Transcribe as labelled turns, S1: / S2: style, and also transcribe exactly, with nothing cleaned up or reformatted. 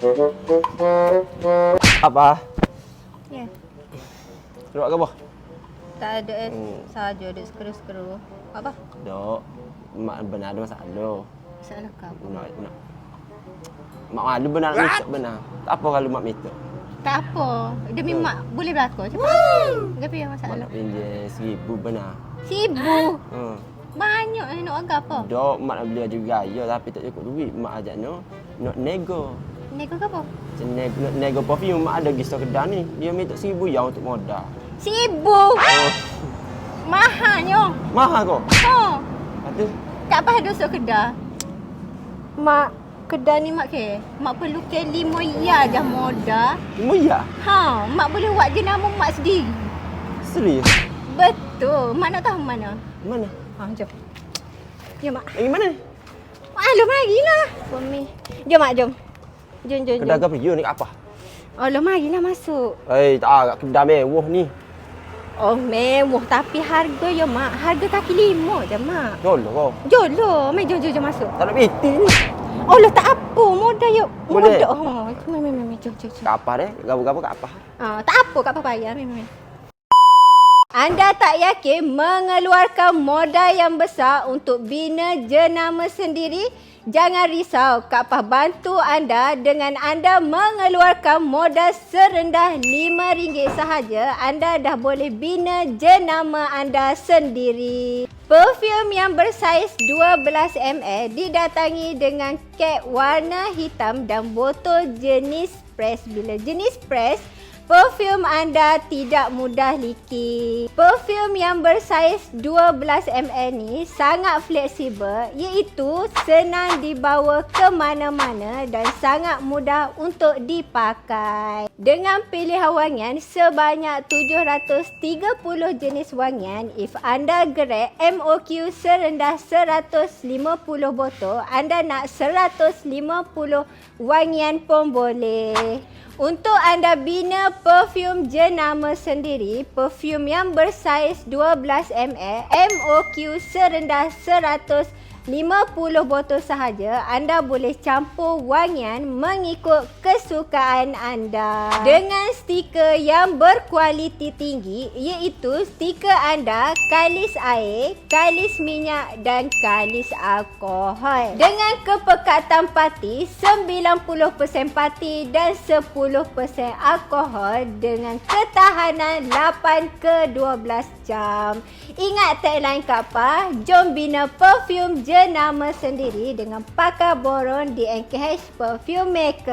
S1: Apa?
S2: Ya.
S1: Keluar ke apa?
S2: Tak ada eh.
S1: Hmm.
S2: Saja ada skru-skru. Apa?
S1: Dok. Mak benar ada masalah.
S2: Salah kau.
S1: Nak nak. Mak malu benar minta benar. Tak apa kalau mak minta.
S2: Tak apa. Demi
S1: Hmm.
S2: mak boleh berlaku. Cepat. Tapi yang
S1: Mak
S2: masalah.
S1: nak pinjam seribu benar.
S2: Sibu.
S1: Hmm.
S2: Banyak eh nak agak apa?
S1: Dok, mak nak beli baju gaya tapi tak cukup duit. Mak ajak no. Nak nego.
S2: Nego ke apa?
S1: Macam nego, nak nego perfume mak ada gisau kedai ni. Dia minta seribu yang untuk modal.
S2: Sibu.
S1: Oh.
S2: Mahalnya.
S1: Mahal kau?
S2: Ha.
S1: Lepas tu?
S2: Tak apa dosa kedai. Mak kedai ni mak ke? Mak perlu ke lima ya je modal.
S1: Lima ya?
S2: Ha, mak boleh buat jenama mak sendiri.
S1: Serius?
S2: Betul. Mak nak tahu mana?
S1: Mana?
S2: Ha, jom. Jom mak.
S1: Lagi mana ni?
S2: Alah, marilah. Suami. Jom mak, jom. Jom, jom,
S1: Kedai
S2: jom.
S1: ke video ni apa?
S2: Alah, marilah masuk.
S1: Eh, tak agak kedai mewah ni.
S2: Oh, mewah tapi harga ya mak. Harga kaki lima je mak.
S1: Jolo kau.
S2: Jom lah. Mai, jom, jom, jom masuk.
S1: Tak nak piti ni.
S2: Oh lah, tak apa. Modal yuk.
S1: Boleh?
S2: Modal. Ha, mai, mai, mai. Jom, jom, jom.
S1: Kat apa deh? Gabu-gabu kat apa?
S2: Ha, tak apa, kat apa payah. Mai, mai, mai. Anda tak yakin mengeluarkan modal yang besar untuk bina jenama sendiri? Jangan risau, Kak Pah bantu anda dengan anda mengeluarkan modal serendah lima ringgit sahaja. Anda dah boleh bina jenama anda sendiri. Perfume yang bersaiz dua belas mililiter didatangi dengan kek warna hitam dan botol jenis press. Bila jenis press, perfume anda tidak mudah leaky. Perfume yang bersaiz dua belas mililiter ni sangat fleksibel, iaitu senang dibawa ke mana-mana dan sangat mudah untuk dipakai. Dengan pilihan wangian sebanyak tujuh ratus tiga puluh jenis wangian, if anda gerek M O Q serendah seratus lima puluh botol, anda nak seratus lima puluh wangian pun boleh. Untuk anda bina perfume jenama sendiri, perfume yang bersaiz dua belas mililiter, M O Q serendah seratus lima puluh botol sahaja, anda boleh campur wangian mengikut kesukaan anda. Dengan stiker yang berkualiti tinggi, iaitu stiker anda kalis air, kalis minyak dan kalis alkohol. Dengan kepekatan parti sembilan puluh peratus parti dan sepuluh peratus alkohol dengan ketahanan lapan ke dua belas jam. Ingat tagline Kak Pah, jom bina perfume jenama sendiri dengan pakar borong di N K H Perfume Maker.